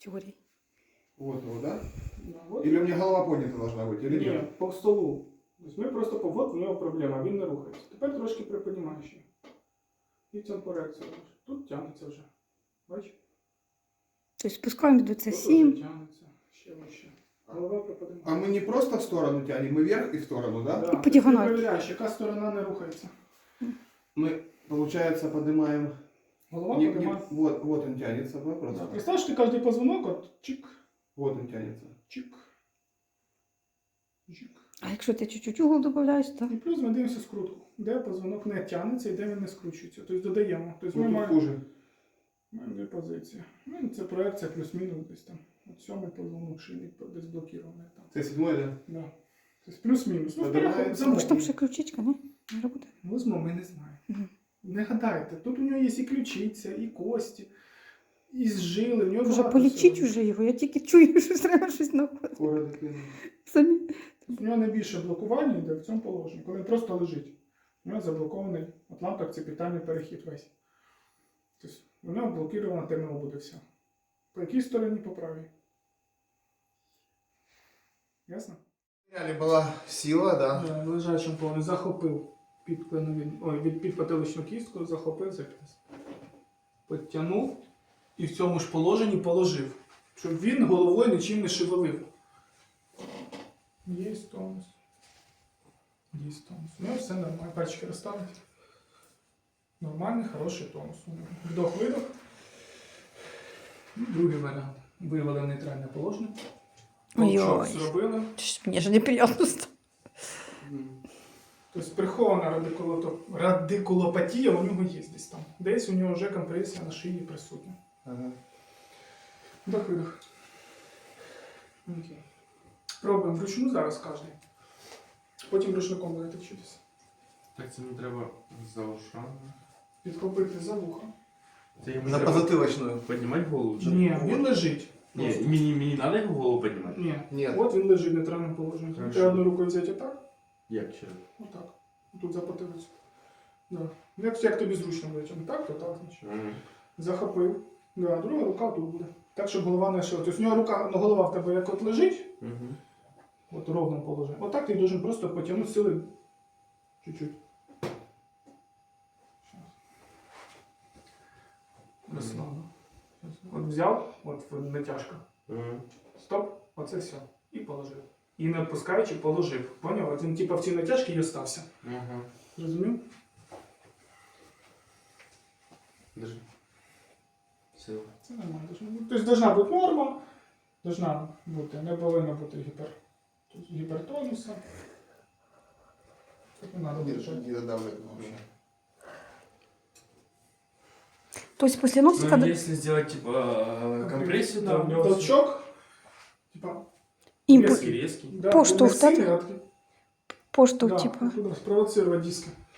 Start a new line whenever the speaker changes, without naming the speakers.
теории.
Вот его, да?
Да, от.
Или у меня голова поднята должна быть, или
Ні,
нет?
по столу. Тобто ми просто от в нього проблема, він не рухається. Тепер трошки приподнімаєш її. І цим корекцію робиш. Тут тягнеться вже. Бачиш?
То есть спускаем до
Тут вже
7.
тягнеться. Ще вище. Голова приподнімає.
А мы не просто в сторону тянем, мы вверх и в сторону, да?
Да.
По діагоналі.
Ти перевіряєш, яка сторона не рухається.
Мы, получается, поднимаем...
Голова
Не-
поднимає.
вот он тянется, да,
Да.
просто?
Представ, що ти кожен позвонок, от чик,
Вот он тянется.
чик, чик.
А якщо ти чуть-чуть угол додаєш, то
І плюс ми дивимося скрутку, де позвонок не тягнеться і де він не скручується. Тобто додаємо. Тобто ми
Вот тут
маємо
хуже.
дві позиції. Ну, це проекція плюс-мінус десь там. От сьомий позвонок шийний десь блокірований там.
Це 7, да?
Да. Тобто плюс-мінус. Ну,
Подимається.
переход
може там
замовлення.
ще ключичка, не? Не робота.
Возьмо, ми не знаємо.
Мгм.
Не гадайте, тут у нього є і ключиця, і кості, і зжили. У нього
Вже
багато
полічіть
всього.
уже його, я тільки чую, що треба щось знаходити.
Скоро докину.
Самі.
У нього найбільше блокування йде в цьому положенні, коли він просто лежить. У нього заблокований от лампах питальний перехід весь. Тобто у нього блокірована терміна буде вся. По якій стороні? По правій. Ясно?
Була сила, да.
В лежачому положенні захопив від підпотиличну кістку, захопив за п'яс. Підтягнув і в цьому ж положенні положив, щоб він головою нічим не шевелив. Є тонус. Є тонус. У нього все нормально. Пальчики розставити. Нормальний, хороший тонус. Вдох-видох. І другий варіант. Вивели в нейтральне положення. Толчок
Ой-ой.
зробили.
Мені ж неприємно стало.
Тобто прихована радикулопатія у нього є десь там. Десь у нього вже компресія на шиї присутня.
Ага.
Вдох-видох. Окей. Пробуємо вручну зараз кожен. Потім рушником будете вчитися.
Так це не треба за ушами.
Підхопити за вухо.
Це йому
На
треба
позатылочную.
піднімати голову? чи
Ні,
ні?
він лежить.
Ні,
Просто.
мені треба його голову піднімати?
Ні.
Нет.
От він лежить в нейтральному положенні.
Хорошо.
Треба одну рукою взяти отак.
Як ще раз?
Отак. Тут за потилицю. Да. Як тобі зручно витягнути. Так, то так. Значить.
Мгм.
Захопив. Да, друга рука тут буде. Так, щоб голова не шила. Тобто у нього рука, ну, голова в тебе як от лежить,
Мгм.
от у ровному положенні. Отак ти должен просто потягнути сили чуть-чуть. Щас. Розслабно. От взяв, от натяжка.
Мгм.
Стоп, оце все. І положив. І не відпускаючи, положив. Поняв? От він типу в цій натяжці і остався.
Ага.
Зрозумів?
Держи. Сила.
Це нормально. Тобто должна бути норма, должна бути, не повинна бути гіпертонуса. Так не треба держати.
Не додавливай вообще.
Тобто після носика...
Ну, если сделать типа компрессию, то
Да,
у него
толчок, типа,
імпульс,
резкий.
да,
Поштовх,
не сильний,
так?
а такий,
поштовх,
да,
типу.
туди спровоцировать диски.